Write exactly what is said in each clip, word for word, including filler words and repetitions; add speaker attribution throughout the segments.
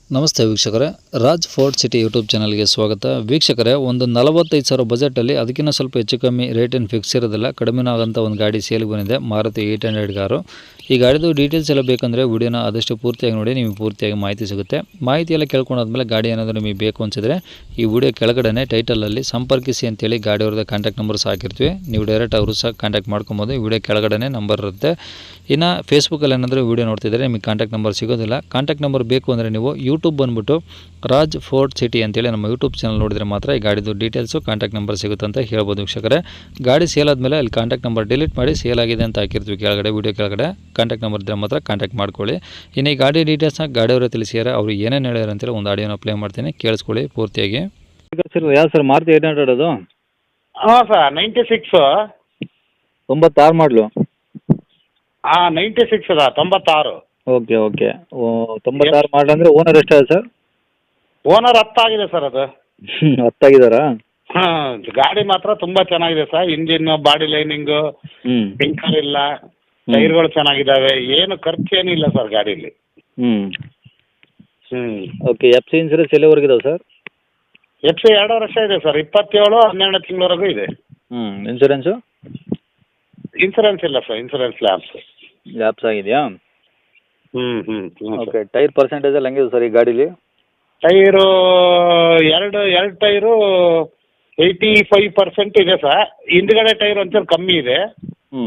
Speaker 1: ನಮಸ್ತೆ ವೀಕ್ಷಕರೇ, Raj fort city YouTube ಚಾನಲ್ಗೆ ಸ್ವಾಗತ. ವೀಕ್ಷಕರೇ, ಒಂದು ನಲವತ್ತೈದು ಸಾವಿರ ಬಜೆಟಲ್ಲಿ ಅದಕ್ಕಿಂತ ಸ್ವಲ್ಪ ಹೆಚ್ಚು ಕಮ್ಮಿ ರೇಟ್ ಏನು ಫಿಕ್ಸ್ ಇರೋದಿಲ್ಲ, ಕಡಿಮೆ ಆಗೋಂಥ ಒಂದು ಗಾಡಿ ಸೇಲ್ಗೆ ಬಂದಿದೆ, ಮಾರುತಿ ಏಯ್ಟ್ ಹಂಡ್ರೆಡ್ ಕಾರು. ಈ ಗಾಡಿದು ಡೀಟೇಲ್ಸ್ ಎಲ್ಲ ಬೇಕಂದರೆ ವಿಡಿಯೋನ ಆದಷ್ಟು ಪೂರ್ತಿಯಾಗಿ ನೋಡಿ, ನಿಮಗೆ ಪೂರ್ತಿಯಾಗಿ ಮಾಹಿತಿ ಸಿಗುತ್ತೆ. ಮಾಹಿತಿ ಎಲ್ಲ ಕೇಳ್ಕೊಂಡಾದ್ಮೇಲೆ ಗಾಡಿ ಏನಾದರೂ ನಿಮಗೆ ಬೇಕು ಅನಿಸಿದ್ರೆ ಈ ವಿಡಿಯೋ ಕೆಳಗಡೆ ಟೈಟಲಲ್ಲಿ ಸಂಪರ್ಕಿಸಿ ಅಂತೇಳಿ ಗಾಡಿಯವ್ರದ್ದು ಕಾಂಟ್ಯಾಕ್ಟ್ ನಂಬರ್ ಸಹ ಹಾಕಿರ್ತೀವಿ. ನೀವು ಡೈರೆಕ್ಟ್ ಅವರು ಸಹ ಕಾಂಟ್ಯಾಕ್ಟ್ ಮಾಡ್ಕೊಬೋದು. ಈ ವಿಡಿಯೋ ಕೆಳಗಡೆ ನಂಬರ್ ಇರುತ್ತೆ. ಇನ್ನು ಫೇಸ್ಬುಕ್ಕಲ್ಲಿ ಏನಾದರೂ ವಿಡಿಯೋ ನೋಡ್ತಿದ್ರೆ ನಿಮಗೆ ಕಾಂಟ್ಯಾಕ್ಟ್ ನಂಬರ್ ಸಿಗೋದಿಲ್ಲ. ಕಾಂಟ್ಯಾಕ್ಟ್ ನಂಬರ್ ಬೇಕು ಅಂದರೆ ನೀವು ಯೂಟ್ಯೂಬ್ ಬಂದುಬಿಟ್ಟು ರಾಜ್ ಫೋರ್ಟ್ ಸಿಟಿ ಅಂತೇಳಿ ನಮ್ಮ ಯೂಟ್ಯೂಬ್ ಚಾನಲ್ ನೋಡಿದರೆ ಮಾತ್ರ ಈ ಗಾಡಿದು ಡೀಟೇಲ್ಸು ಕಾಂಟ್ಯಾಕ್ಟ್ ನಂಬರ್ ಸಿಗುತ್ತೆ ಅಂತ ಹೇಳ್ಬೋದು ವೀಕ್ಷಕರೇ. ಗಾಡಿ ಸೇಲ್ ಆದಮೇಲೆ ಅಲ್ಲಿ ಕಾಂಟ್ಯಾಕ್ಟ್ ನಂಬರ್ ಡಿಲೀಟ್ ಮಾಡಿ ಸೇಲ್ ಆಗಿದೆ ಅಂತ ಹಾಕಿರ್ತೀವಿ ಕೆಳಗಡೆ, ವಿಡಿಯೋ ಕೆಳಗಡೆ ಕಾಂಟ್ಯಾಕ್ಟ್ ನಂಬರ್ ಇದ್ದರೆ ಮಾತ್ರ ಕಾಂಟ್ಯಾಕ್ಟ್ ಮಾಡ್ಕೊಳ್ಳಿ. ಇನ್ನು ಈ ಗಾಡಿ ಡೀಟೇಲ್ಸ್ನ ಗಾಡಿಯವರೇ ತಿಳಿಸಿದ್ದಾರೆ, ಅವರು ಏನೇನು ಹೇಳ್ಯಾರ ಅಂತೇಳಿ ಒಂದು ಆಡಿಯೋನ ಪ್ಲೇ ಮಾಡ್ತೀನಿ, ಕೇಳಿಸ್ಕೊಳ್ಳಿ ಪೂರ್ತಿಯಾಗಿ.
Speaker 2: ಸರ್ ಯಾವ್ದು ಸರ್ ಮಾರುತಿ ಏಯ್ಟ್ ಹಂಡ್ರೆಡ್ ಅದು?
Speaker 3: ಹಾಂ ಸರ್, ನೈಂಟಿ ಸಿಕ್ಸು.
Speaker 2: ತೊಂಬತ್ತಾರು ಮಾಡಲು?
Speaker 3: ಹಾಂ, ನೈಂಟಿ ಸಿಕ್ಸ್ ಅದ, ತೊಂಬತ್ತಾರು.
Speaker 2: ಓಕೆ ಓಕೆ ತೊಂಬತ್ತಾರು ಮಾಡಲ್ ಅಂದರೆ ಓನರ್ ಎಷ್ಟಾಗಿದೆ ಸರ್?
Speaker 3: ಓನರ್ ಹತ್ತಾಗಿದೆ ಸರ್ ಅದು.
Speaker 2: ಹತ್ತಾಗಿದ್ದಾರಾ?
Speaker 3: ಹಾಂ, ಗಾಡಿ ಮಾತ್ರ ತುಂಬ ಚೆನ್ನಾಗಿದೆ ಸರ್. ಇಂಜಿನ್, ಬಾಡಿ ಲೈನಿಂಗು,
Speaker 2: ಹ್ಞೂ
Speaker 3: ಪಿಂಕರ್ ಇಲ್ಲ, ಟೈರ್ಗಳು ಚೆನ್ನಾಗಿದ್ದಾವೆ, ಏನು ಖರ್ಚೇನಿಲ್ಲ ಸರ್ ಗಾಡೀಲಿ.
Speaker 2: ಹ್ಞೂ
Speaker 3: ಹ್ಞೂ
Speaker 2: ಓಕೆ. ಎಫ್ ಸಿ ಇನ್ಸೂರೆನ್ಸ್ ಎಲ್ಲಿವರೆಗಿದಾವೆ ಸರ್?
Speaker 3: ಎಫ್ ಸಿ ಎರಡು ವರ್ಷ ಇದೆ ಸರ್, ಇಪ್ಪತ್ತೇಳು ಹನ್ನೆರಡು ತಿಂಗಳವರೆಗೂ ಇದೆ.
Speaker 2: ಹ್ಞೂ ಇನ್ಸೂರೆನ್ಸು?
Speaker 3: ಇನ್ಸೂರೆನ್ಸ್ ಇಲ್ಲ ಸರ್, ಇನ್ಸೂರೆನ್ಸ್ ಲ್ಯಾಬ್ಸ್.
Speaker 2: ಲ್ಯಾಪ್ಸ್ ಆಗಿದೆಯಾ?
Speaker 3: ಹ್ಞೂ ಹ್ಞೂ
Speaker 2: ಓಕೆ. ಟೈರ್ ಪರ್ಸೆಂಟೇಜ್ ಎಲ್ಲ ಹೆಂಗಿದೆ ಸರ್ ಈ ಗಾಡೀಲಿ?
Speaker 3: ಟೈರು ಎರಡು ಎರಡು ಟೈರು ಏಯ್ಟಿ ಫೈವ್ ಪರ್ಸೆಂಟ್ ಇದೆ ಸರ್. ಹಿಂದ್ಗಡೆ ಟೈರ್ ಒಂಚೂರು ಕಮ್ಮಿ ಇದೆ.
Speaker 2: ಹ್ಞೂ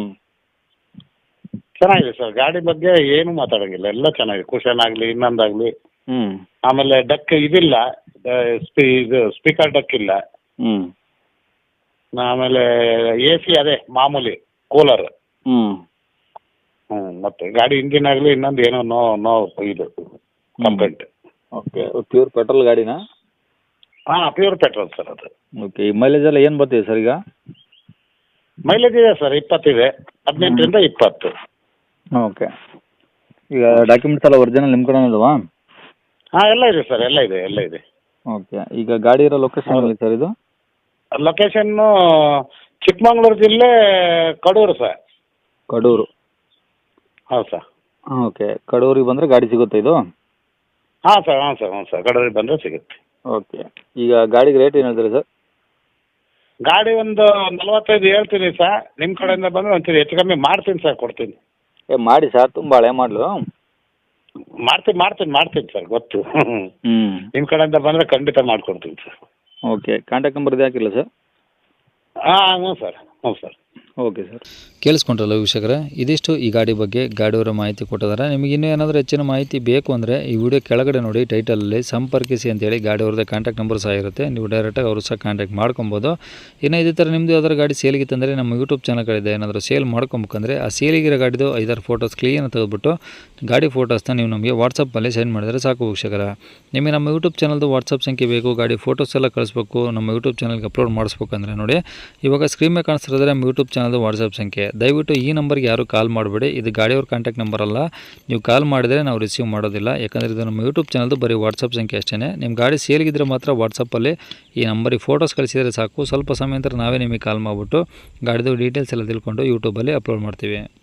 Speaker 3: ಚೆನ್ನಾಗಿದೆ ಸರ್, ಗಾಡಿ ಬಗ್ಗೆ ಏನು ಮಾತಾಡೋಂಗಿಲ್ಲ, ಎಲ್ಲ ಚೆನ್ನಾಗಿದೆ. ಕುಷನ್ ಆಗಲಿ ಇನ್ನೊಂದಾಗಲಿ.
Speaker 2: ಹ್ಞೂ
Speaker 3: ಆಮೇಲೆ ಡಕ್ ಇದಿಲ್ಲ, ಸ್ಪೀ ಇದು ಸ್ಪೀಕರ್ ಡಕ್ ಇಲ್ಲ.
Speaker 2: ಹ್ಞೂ
Speaker 3: ಆಮೇಲೆ ಎ ಸಿ ಅದೇ ಮಾಮೂಲಿ ಕೂಲರ್.
Speaker 2: ಹ್ಞೂ
Speaker 3: ಹ್ಞೂ ಮತ್ತು ಗಾಡಿ ಇಂಜಿನ್ ಆಗಲಿ ಇನ್ನೊಂದು ಏನೋ ನೋ ನೋ ಇದು ಕಂಪ್ಲೇಂಟ್.
Speaker 2: ಓಕೆ. ಪ್ಯೂರ್ ಪೆಟ್ರೋಲ್ ಗಾಡಿನಾ?
Speaker 3: ಹಾಂ, ಪ್ಯೂರ್ ಪೆಟ್ರೋಲ್ ಸರ್ ಅದು.
Speaker 2: ಓಕೆ. ಈ ಮೈಲೇಜ್ ಎಲ್ಲ ಏನು ಬರ್ತಿದೆ ಸರ್ ಈಗ?
Speaker 3: ಮೈಲೇಜ್ ಇದೆ ಸರ್, ಇಪ್ಪತ್ತಿದೆ, ಹದಿನೆಂಟರಿಂದ ಇಪ್ಪತ್ತು.
Speaker 2: ಓಕೆ. ಈಗ ಡಾಕ್ಯುಮೆಂಟ್ಸ್ ಎಲ್ಲ ಒರಿಜಿನಲ್ ನಿಮ್ಮ ಕಡೆ ಇದಾವಾ?
Speaker 3: ಹಾಂ, ಎಲ್ಲ ಇದೆ ಸರ್, ಎಲ್ಲ ಇದೆ ಎಲ್ಲ ಇದೆ.
Speaker 2: ಓಕೆ. ಈಗ ಗಾಡಿ ಇರೋ ಲೊಕೇಶನ್ ಎಲ್ಲಿ ಸರ್ ಇದು?
Speaker 3: ಲೊಕೇಶನ್ನು ಚಿಕ್ಕಮಂಗ್ಳೂರು ಜಿಲ್ಲೆ ಕಡೂರು ಸರ್.
Speaker 2: ಕಡೂರು?
Speaker 3: ಹೌದು ಸರ್.
Speaker 2: ಓಕೆ. ಕಡೂರಿಗೆ ಬಂದರೆ ಗಾಡಿ ಸಿಗುತ್ತೆ ಇದು?
Speaker 3: ಹಾಂ ಸರ್, ಹಾಂ ಸರ್, ಹ್ಞೂ ಸರ್, ಕಡೂರಿಗೆ ಬಂದರೆ ಸಿಗುತ್ತೆ.
Speaker 2: ಓಕೆ. ಈಗ ಗಾಡಿಗೆ ರೇಟ್ ಏನು ಹೇಳ್ತೀರಿ ಸರ್?
Speaker 3: ಗಾಡಿ ಒಂದು ನಲ್ವತ್ತೈದು ಹೇಳ್ತೀನಿ ಸರ್, ನಿಮ್ಮ ಕಡೆಯಿಂದ ಬಂದರೆ ಒಂಚೂರು ಹೆಚ್ಚು ಕಮ್ಮಿ ಮಾಡ್ತೀನಿ ಸರ್, ಕೊಡ್ತೀನಿ.
Speaker 2: ಏ ಮಾಡಿ ಸರ್, ತುಂಬ ಹಳೆ ಮಾಡಲು.
Speaker 3: ಮಾಡ್ತೀನಿ ಮಾಡ್ತೀನಿ ಮಾಡ್ತೀನಿ ಸರ್, ಗೊತ್ತು.
Speaker 2: ಹ್ಞೂ
Speaker 3: ನಿಮ್ಮ ಕಡೆಯಿಂದ ಬಂದರೆ ಖಂಡಿತ ಮಾಡಿಕೊಡ್ತೀನಿ ಸರ್.
Speaker 2: ಓಕೆ. ಕಾಂಟ್ಯಾಕ್ಟ್ ನಂಬರ್ ಇದು ಹಾಕಿಲ್ಲ ಸರ್?
Speaker 3: ಹಾಂ, ಹ್ಞೂ ಸರ್, ಹ್ಞೂ ಸರ್.
Speaker 2: Okay sir.
Speaker 1: ಕೇಳಿಸ್ಕೊಂಡ್ರಲ್ಲ ವೀಕ್ಷಕರೇ, ಇದಿಷ್ಟು ಈ ಗಾಡಿ ಬಗ್ಗೆ ಗಾಡಿಯವರ ಮಾಹಿತಿ ಕೊಟ್ಟಿದ್ದಾರೆ. ನಿಮಗೆ ಇನ್ನೂ ಏನಾದರೂ ಹೆಚ್ಚಿನ ಮಾಹಿತಿ ಬೇಕು ಅಂದರೆ ಈ ವಿಡಿಯೋ ಕೆಳಗಡೆ ನೋಡಿ ಟೈಟಲಲ್ಲಿ ಸಂಪರ್ಕಿಸಿ ಅಂತೇಳಿ ಗಾಡಿಯವ್ರದ್ದು ಕಾಂಟ್ಯಾಕ್ಟ್ ನಂಬರ್ ಸಹ ಇರುತ್ತೆ, ನೀವು ಡೈರೆಕ್ಟಾಗಿ ಅವರು ಸಹ ಕಾಂಟ್ಯಾಕ್ಟ್ ಮಾಡ್ಕೊಬೋದು. ಇನ್ನು ಇದೇ ಥರ ನಿಮ್ಮದು ಯಾವ್ದಾದ್ರು ಗಾಡಿ ಸೇಲಿಗಿತ್ತಂದರೆ ನಮ್ಮ ಯೂಟ್ಯೂಬ್ ಚಾನಲ್ಗಳಿದೆ, ಏನಾದರೂ ಸೇಲ್ ಮಾಡ್ಕೊಬೇಕಂದ್ರೆ ಆ ಸೇಲಿಗಿರೋ ಗಾಡಿದು ಐದಾರು ಫೋಟೋಸ್ ಕ್ಲೀನ್ ತೆಗೆದುಬಿಟ್ಟು ಗಾಡಿ ಫೋಟೋಸ್ನ ನೀವು ನಮಗೆ ವಾಟ್ಸಪ್ಪಲ್ಲಿ ಸೆಂಡ್ ಮಾಡಿದರೆ ಸಾಕು ವೀಕ್ಷಕರ. ನಿಮಗೆ ನಮ್ಮ ಯೂಟ್ಯೂಬ್ ಚಾನಲ್ದು ವಾಟ್ಸಪ್ ಸಂಖ್ಯೆ ಬೇಕು, ಗಾಡಿ ಫೋಟೋಸ್ ಎಲ್ಲ ಕಳಿಸ್ಬೇಕು, ನಮ್ಮ ಯೂಟ್ಯೂಬ್ ಚಾನಲ್ಗೆ ಅಪ್ಲೋಡ್ ಮಾಡಿಸ್ಬೇಕಂದ್ರೆ ನೋಡಿ ಇವಾಗ ಸ್ಕ್ರೀನ್ ಮೇಲೆ ಕಾಣಿಸ್ತಿರೋದ್ರೆ ನಮ್ಮ ಯೂಟ್ಯೂಬ್ ಚಾನಲ್ದು ವಾಟ್ಸಪ್ ಸಂಖ್ಯೆ. ದಯವಿಟ್ಟು ಈ ನಂಬರ್ಗೆ ಯಾರು ಕಾಲ್ ಮಾಡಬೇಡಿ, ಇದು ಗಾಡಿಯವ್ರ ಕಾಂಟ್ಯಾಕ್ಟ್ ನಂಬರ್ ಅಲ್ಲ. ನೀವು ಕಾಲ್ ಮಾಡಿದರೆ ನಾವು ರಿಸೀವ್ ಮಾಡೋದಿಲ್ಲ, ಯಾಕಂದರೆ ಇದು ನಮ್ಮ ಯೂಟ್ಯೂಬ್ ಚಾನಲ್ದು ಬರೀ ವಾಟ್ಸಪ್ ಸಂಖ್ಯೆ ಅಷ್ಟೇ. ನಿಮ್ಮ ಗಾಡಿ ಸೇಲ್ಗಿದ್ರೆ ಮಾತ್ರ ವಾಟ್ಸಪ್ಪಲ್ಲಿ ಈ ನಂಬರಿಗೆ ಫೋಟೋಸ್ ಕಳಿಸಿದರೆ ಸಾಕು. ಸ್ವಲ್ಪ ಸಮಯ ನಂತರ ನಾವೇ ನಿಮಗೆ ಕಾಲ್ ಮಾಡಿಬಿಟ್ಟು ಗಾಡಿದು ಡೀಟೇಲ್ಸ್ ಎಲ್ಲ ತಿಳ್ಕೊಂಡು ಯೂಟ್ಯೂಬಲ್ಲಿ ಅಪ್ಲೋಡ್ ಮಾಡ್ತೀವಿ.